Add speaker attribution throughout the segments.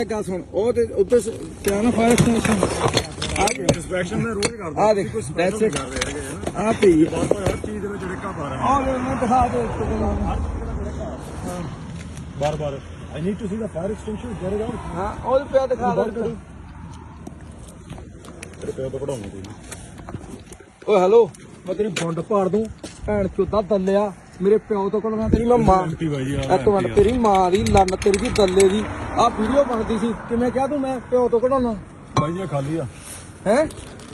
Speaker 1: ਗੱਲ ਸੁਣ ਉਹ ਤੇ ਉੱਤੇ ਕਿਆ ਨਾ ਫਾਇਰ ਐਕਸਟੈਂਸ਼ਨ
Speaker 2: ਇੰਸਪੈਕਸ਼ਨ ਮੈਂ ਰੋਜ਼ ਕਰਦਾ
Speaker 1: ਆ ਦੇਖ ਦੈਟਸ ਇਟ ਆ ਪਈ
Speaker 2: ਹਰ ਚੀਜ਼ ਦੇ ਵਿੱਚ ਰਿਕਾ ਪਾ ਰਿਹਾ
Speaker 1: ਆ ਲੈ ਮੈਂ ਦਿਖਾ ਦੇ
Speaker 2: ਬਾਰ ਆਈ ਨੀਡ ਟੂ ਸੀ ਦਾ fire extension get it out
Speaker 1: ਹਾਂ ਉਹ ਪਿਆ ਦਿਖਾ ਦੇ
Speaker 2: ਰਿਪੇਅਰ ਤੋਂ ਕਢਾਉਣੀ ਕੋਈ
Speaker 1: ਓਏ ਹੈਲੋ ਮੈਂ ਤੇਰੀ ਬੰਡ ਪਾੜ ਦੂੰ ਭੈਣ ਚੋਦਾ ਦੱਲਿਆ ਮੇਰੇ ਪਿਓ ਤੋਂ ਕੋਲ ਤੇਰੀ ਮੈਂ ਮਾਂ ਇੱਕ ਮਿੰਟ ਤੇਰੀ ਮਾਂ ਦੀ ਲੰਨ ਤੇਰੀ ਦੀ ਦੱਲੇ ਦੀ ਆ ਵੀਡੀਓ ਬਣਦੀ ਸੀ ਕਿਵੇਂ ਕਿਹਾ ਤੂੰ ਮੈਂ ਪਿਓ ਤੋਂ ਕਢਾਉਣਾ
Speaker 2: ਬਾਈ ਜੀ ਖਾਲੀ ਆ
Speaker 1: ਹੈ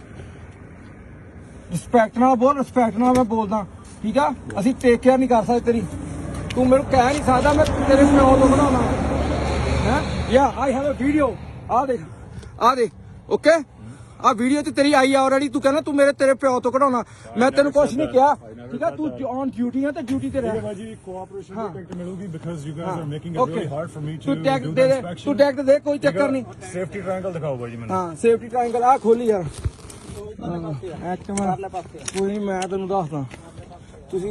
Speaker 1: ਰਿਸਪੈਕਟ ਨਾਲ ਬੋਲ ਰਿਸਪੈਕਟ ਨਾਲ ਮੈਂ ਬੋਲਦਾ ਠੀਕ ਆ ਅਸੀਂ ਟੇਕ ਕੇਅਰ ਨਹੀਂ ਕਰ ਸਕਦੇ ਤੇਰੀ ਤੂੰ ਮੈਨੂੰ ਕਹਿ ਨਹੀਂ ਸਕਦਾ ਮੈਂ ਤੇਰੇ ਪਿਓ ਤੋਂ ਕਢਾਉਣਾ ਹੈ ਯਾ ਆਈ ਹੈਵ ਅ ਵੀਡੀਓ ਆ ਦੇਖ ਓਕੇ ਆ ਵੀਡੀਓ ਤੇ ਤੇਰੀ ਆਈ ਆਲਰੇਡੀ ਤੂੰ ਕਹਿੰਦਾ ਤੂੰ ਤੇਰੇ ਪਿਓ ਤੋਂ ਕਢਾਉਣਾ ਮੈਂ ਤੈਨੂੰ ਕੁਝ ਨਹੀਂ ਕਿਹਾ ਠੀਕ ਆ ਤੂੰ ਔਨ ਡਿਊਟੀ ਆ ਤੇ ਡਿਊਟੀ ਤੇ ਰਹਿ
Speaker 2: ਬਾਜੀ ਕੋਆਪਰੇਸ਼ਨ ਦੀ ਟੈਕਟ ਮਿਲੂਗੀ because you guys are making it really hard for me too
Speaker 1: ਤੂੰ ਟੈਗ ਦੇ ਦੇ ਤੂੰ ਟੈਗ ਦੇ ਕੋਈ ਚੱਕਰ ਨਹੀਂ
Speaker 2: ਸੇਫਟੀ ਟ੍ਰਾਇੰਗਲ ਦਿਖਾਓ ਬਾਜੀ ਮੈਨੂੰ
Speaker 1: ਹਾਂ ਸੇਫਟੀ ਟ੍ਰਾਇੰਗਲ ਆ ਖੋਲੀ ਯਾਰ ਕੋਈ ਨਹੀਂ ਮੈਂ ਤੈਨੂੰ ਦੱਸਦਾ ਤੁਸੀਂ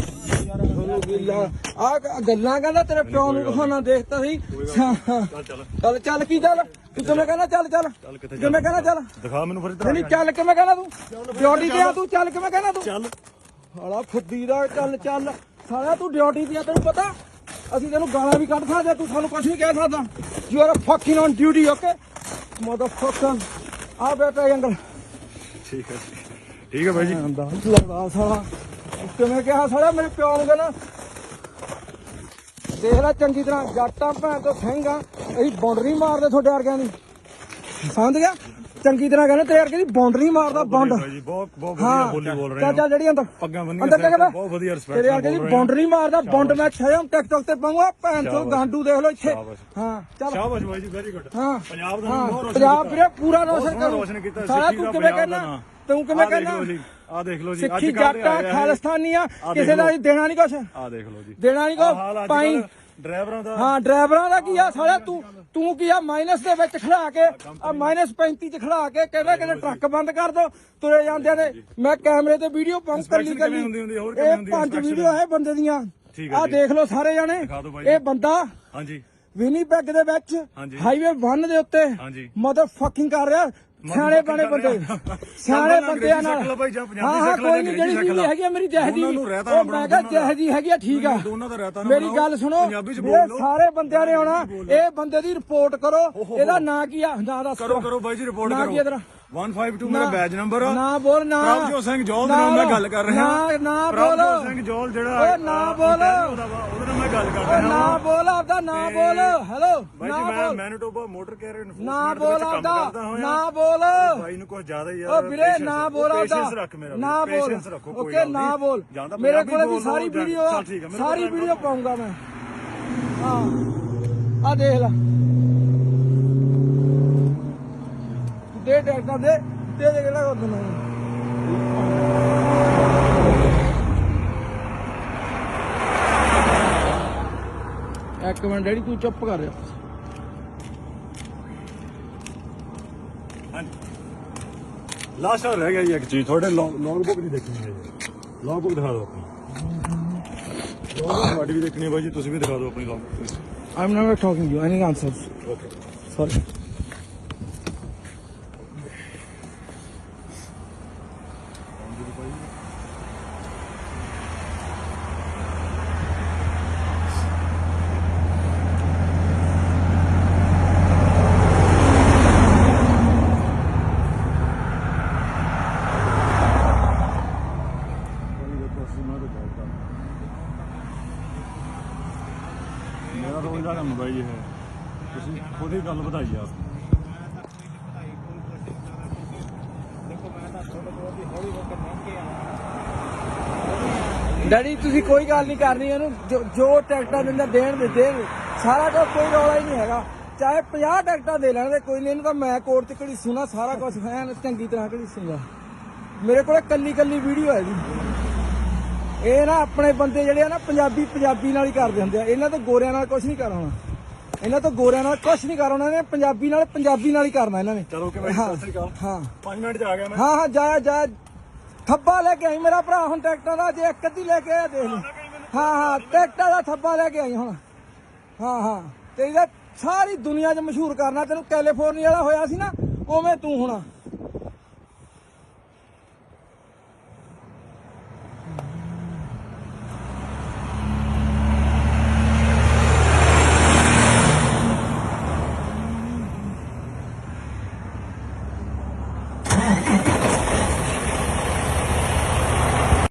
Speaker 1: ਆ ਗੱਲਾਂ ਕਹਿੰਦਾ ਤੇਰੇ ਪਿਓ ਨੂੰ ਦਿਖਾਉਣਾ ਦੇਖਤਾ ਸੀ ਚੱਲ ਕੀ ਚੱਲ ਤੂੰ ਕਿਵੇਂ ਕਹਿੰਦਾ ਚੱਲ ਕਿਵੇਂ ਕਹਿੰਦਾ ਚੱਲ
Speaker 2: ਦਿਖਾ ਮੈਨੂੰ ਫਿਰ ਇੱਧਰ
Speaker 1: ਨਹੀਂ ਚੱਲ ਕਿਵੇਂ ਕਹਿੰਦਾ ਤੂੰ ਡਿਊਟੀ ਤੇ ਆ ਤੂੰ ਚੱਲ ਕਿਵੇਂ ਕਹਿੰਦਾ ਤੂੰ ਚੱਲ ਸਾਲਾ ਫੁੱਦੀ ਦਾ ਚੱਲ ਸਾਲਾ ਤੂੰ ਡਿਊਟੀ ਤੇ ਆ ਤੈਨੂੰ ਪਤਾ ਅਸੀਂ ਤੈਨੂੰ ਗਾਲਾਂ ਵੀ ਕੱਢ ਸਕਦੇ ਤੂੰ ਸਾਨੂੰ ਕੁਝ ਨਹੀਂ ਕਹਿ ਸਕਦਾ you are fucking on duty okay motherfucker ਆ ਬੇਟਾ ਅੰਕਲ
Speaker 2: ਠੀਕ ਹੈ ਬਾਈ ਜੀ
Speaker 1: ਲੱਗਦਾ ਸਾਲਾ ਕਿਵੇਂ ਕਿਹਾ ਸਾਲਾ ਮੇਰੇ ਪਿਓ ਨੂੰ ਕਹਿੰਦਾ ਦੇਖ ਲੈ ਚੰਗੀ ਤਰ੍ਹਾਂ ਜੱਟਾਂ ਭੈਣ ਤੋਂ ਸਿੰਘਾਂ ਅਸੀਂ ਬਾਉਂਡਰੀ ਮਾਰਦੇ ਤੁਹਾਡੇ ਵਰਗਿਆਂ ਦੀ ਸਮਝ ਗਿਆ ਚੰਗੀ ਤਰ੍ਹਾਂ ਕਹਿੰਦੇ ਤੇਰੇ ਵਰਗੇ ਦੀ ਬਾਉਂਡਰੀ ਮਾਰਦਾ ਬੰਡ
Speaker 2: ਬਹੁਤ ਵਧੀਆ ਬੋਲੀ ਬੋਲ ਰਹੇ
Speaker 1: ਚੱਲ ਜਿਹੜੀ ਅੰਦਰ
Speaker 2: ਪੱਗਾਂ
Speaker 1: ਬੰਨੀਆਂ
Speaker 2: ਬਹੁਤ ਵਧੀਆ ਰਿਸਪੈਕਟ
Speaker 1: ਤੇਰੇ ਵਰਗੇ ਦੀ ਬਾਉਂਡਰੀ ਮਾਰਦਾ ਬੰਡ ਮੈਂ ਛੇਮ ਟਿਕਟੌਕ ਤੇ ਪਾਉਂਗਾ ਭੈਣ ਤੋਂ ਗਾਂਡੂ ਦੇਖ ਲਓ ਇੱਥੇ ਹਾਂ ਚੱਲ
Speaker 2: ਸ਼ਾਬਾਸ਼ ਬਾਈ ਜੀ ਵੈਰੀ ਗੁੱਡ
Speaker 1: ਹਾਂ
Speaker 2: ਪੰਜਾਬ ਦਾ ਬਹੁਤ ਰੋਸ਼ਨ
Speaker 1: ਪੰਜਾਬ ਵੀਰੇ ਪੂਰਾ ਰੋਸ਼ਨ ਕੀਤਾ ਸਾਲਾ ਤੂੰ ਕਿਵੇਂ ਕਹਿੰਦਾ ਤੂੰ ਕਿਵੇਂ ਕਹਿੰਦਾ
Speaker 2: ਆ ਦੇਖ ਲਓ ਜੀ
Speaker 1: ਸਿੱਖੀ ਜੱਟਾ ਖਾਲਿਸਤਾਨੀਆਂ ਕਿਸੇ ਦਾ ਦੇਣਾ ਨਹੀਂ ਕੁਛ
Speaker 2: ਆ ਦੇਖ ਲਓ ਜੀ
Speaker 1: ਦੇਣਾ ਨਹੀਂ ਕੁਛ ਪਾਈ
Speaker 2: ਡਰਾਈਵਰਾਂ ਦਾ
Speaker 1: ਹਾਂ ਡਰਾਈਵਰਾਂ ਦਾ ਕੀ ਆ ਸਾਲਾ ਤੂੰ ਕੀ ਆ ਮਾਈਨਸ ਦੇ ਵਿੱਚ ਖੜਾ ਕੇ ਆ -35 ਚ ਖੜਾ ਕੇ ਕਹਿੰਦੇ ਟਰੱਕ ਬੰਦ ਕਰ ਦੋ ਤੁਰੇ ਜਾਂਦੇ ਨੇ ਮੈਂ ਕੈਮਰੇ ਤੇ ਵੀਡੀਓ ਪਾਉਂ ਕੱਲੀ ਇਹ 5 ਵੀਡੀਓ ਹੈ ਬੰਦੇ ਦੀਆਂ ਆ ਦੇਖ ਲਓ ਸਾਰੇ ਜਾਣੇ ਇਹ ਬੰਦਾ
Speaker 2: ਹਾਂਜੀ
Speaker 1: ਵਿਨੀਪੈਗ ਦੇ ਵਿੱਚ ਹਾਈਵੇ 1 ਦੇ ਉੱਤੇ ਮਦਰ ਫੱਕਿੰਗ ਕਰ ਰਿਹਾ ਸਿਆਣੇ ਬਣੇ ਬੰਦੇ ਸਿਆਣੇ ਬੰਦਿਆਂ ਨਾਲ ਹਾਂ ਕੋਈ ਨਹੀਂ ਜਿਹੜੀ ਚੀਜ਼ ਹੈਗੀ ਆ ਮੇਰੀ ਜਹਦੀ ਉਹ ਮੈਂ ਕਿਹਾ ਜਹਦੀ ਹੈਗੀ ਆ ਠੀਕ ਆ ਮੇਰੀ ਗੱਲ ਸੁਣੋ ਇਹ ਸਾਰੇ ਬੰਦਿਆਂ ਨੇ ਆਉਣਾ ਇਹ ਬੰਦੇ ਦੀ ਰਿਪੋਰਟ ਕਰੋ ਇਹਦਾ ਨਾਂ ਕੀ ਆ ਨਾਂ ਦੱਸ
Speaker 2: ਕਰੋ ਬਾਈ ਜੀ ਰਿਪੋਰਟ
Speaker 1: ਨਾਂ ਕੀ ਤੇਰਾ
Speaker 2: 152 ਮੇਰਾ ਬੈਜ ਨੰਬਰ ਆ
Speaker 1: ਨਾ ਬੋਲ ਨਾ
Speaker 2: ਪ੍ਰਭਜੋਤ ਸਿੰਘ ਜੋਲ ਦੇ ਨਾਲ ਮੈਂ ਗੱਲ ਕਰ ਰਿਹਾ
Speaker 1: ਨਾ ਬੋਲ
Speaker 2: ਪ੍ਰਭਜੋਤ ਸਿੰਘ ਜੋਲ ਜਿਹੜਾ
Speaker 1: ਓਏ ਨਾ ਬੋਲ
Speaker 2: ਉਹਦੇ ਨਾਲ ਮੈਂ ਗੱਲ ਕਰ ਰਿਹਾ
Speaker 1: ਨਾ ਬੋਲ ਆਪਦਾ ਨਾ ਬੋਲ ਹੈਲੋ
Speaker 2: ਬਾਈ ਜੀ ਮੈਂ ਮੈਨੀਟੋਬਾ ਮੋਟਰ ਕੈਰੀਅਰ
Speaker 1: ਨਾ ਬੋਲ ਆਪਦਾ ਨਾ ਬੋਲ
Speaker 2: ਬਾਈ ਨੂੰ ਕੁਝ ਜ਼ਿਆਦਾ ਹੀ
Speaker 1: ਓ ਵੀਰੇ ਨਾ ਬੋਲ ਆਪਦਾ ਨਾ ਬੋਲ ਓਕੇ ਨਾ ਬੋਲ ਮੇਰੇ ਕੋਲੇ ਵੀ ਸਾਰੀ ਵੀਡੀਓ ਪਾਉਂਗਾ ਮੈਂ ਹਾਂ ਆ ਦੇਖ ਲੈ ਦੇ ਟੈਕਟਾਂ ਦੇ ਕਿਹੜਾ ਕਰ ਦਿੰਦਾ ਇੱਕ ਮਿੰਟ ਡੈਡੀ ਤੂੰ ਚੁੱਪ ਕਰ ਰਿਹਾ
Speaker 2: ਲਾਸਟ ਰਹਿ ਗਿਆ ਜੀ ਇੱਕ ਚੀਜ਼ ਤੁਹਾਡੇ ਲੌਗ ਬੁੱਕ ਦੀ ਦੇਖਣੀ ਹੈ ਜੀ ਲੌਗ ਬੁੱਕ ਦਿਖਾ ਦਿਓ ਆਪਣੀ ਲੌਗ ਬੁੱਕ ਤੁਹਾਡੀ ਵੀ ਦੇਖਣੀ ਹੈ ਬਾਈ ਜੀ ਤੁਸੀਂ ਵੀ ਦਿਖਾ ਦਿਓ ਆਪਣੀ log book
Speaker 1: I'm never talking to you any answers
Speaker 2: okay
Speaker 1: sorry
Speaker 2: ਮੇਰਾ ਰੋਜ਼ ਦਾ ਕੰਮ ਬਾਈ ਜੀ ਹੈ ਤੁਸੀਂ ਖੁਦ ਹੀ ਗੱਲ ਵਧਾਈ ਆ
Speaker 1: ਡੈਡੀ ਤੁਸੀਂ ਕੋਈ ਗੱਲ ਨਹੀਂ ਕਰਨੀ ਇਹਨੂੰ ਜੋ ਟਿਕਟਾਂ ਦਿੰਦਾ ਦੇਣ ਸਾਰਾ ਕੁਝ ਕੋਈ ਰੌਲਾ ਹੀ ਨਹੀਂ ਹੈਗਾ ਚਾਹੇ 50 ਟਿਕਟਾਂ ਦੇ ਲੈਣ ਦੇ ਕੋਈ ਨਹੀਂ ਇਹਨੂੰ ਤਾਂ ਮੈਂ ਕੋਰਟ 'ਚ ਘੜੀਸੂਗਾ ਸਾਰਾ ਕੁਝ ਐਨ ਚੰਗੀ ਤਰ੍ਹਾਂ ਘੜੀਸੂਗਾ ਮੇਰੇ ਕੋਲ ਕੱਲੀ ਵੀਡੀਓ ਹੈ ਜੀ ਇਹ ਨਾ ਆਪਣੇ ਬੰਦੇ ਜਿਹੜੇ ਆ ਨਾ ਪੰਜਾਬੀ ਨਾਲ ਹੀ ਕਰਦੇ ਹੁੰਦੇ ਆ ਇਹਨਾਂ ਤੋਂ ਗੋਰਿਆਂ ਨਾਲ ਕੁਝ ਨਹੀਂ ਕਰਾਉਣਾ ਇਹਨਾਂ ਤੋਂ ਗੋਰਿਆਂ ਨਾਲ ਕੁਝ ਨਹੀਂ ਕਰਾਉਣਾ ਇਹਨੇ ਪੰਜਾਬੀ ਨਾਲ ਹੀ ਕਰਨਾ ਇਹਨਾਂ ਨੇ
Speaker 2: ਚਲੋ ਕਿ ਸਤਿ ਸ੍ਰੀ ਅਕਾਲ ਹਾਂ 5 ਮਿੰਟ 'ਚ ਆ ਗਿਆ ਮੈਂ
Speaker 1: ਹਾਂ ਜਾ ਥੱਬਾ ਲੈ ਕੇ ਆਈ ਮੇਰਾ ਭਰਾ ਹੁਣ ਟਿਕਟਾਂ ਦਾ ਜੇ ਇੱਕ ਅੱਧੀ ਲੈ ਕੇ ਆਇਆ ਦੇਖ ਲਈ ਹਾਂ ਟਿਕਟਾਂ ਦਾ ਥੱਬਾ ਲੈ ਕੇ ਆਈ ਹੁਣ ਹਾਂ ਤੇ ਇਹਦਾ ਸਾਰੀ ਦੁਨੀਆ 'ਚ ਮਸ਼ਹੂਰ ਕਰਨਾ। ਤੈਨੂੰ ਕੈਲੀਫੋਰਨੀਆ ਵਾਲਾ ਹੋਇਆ ਸੀ ਨਾ, ਉਵੇਂ ਤੂੰ ਹੋਣਾ।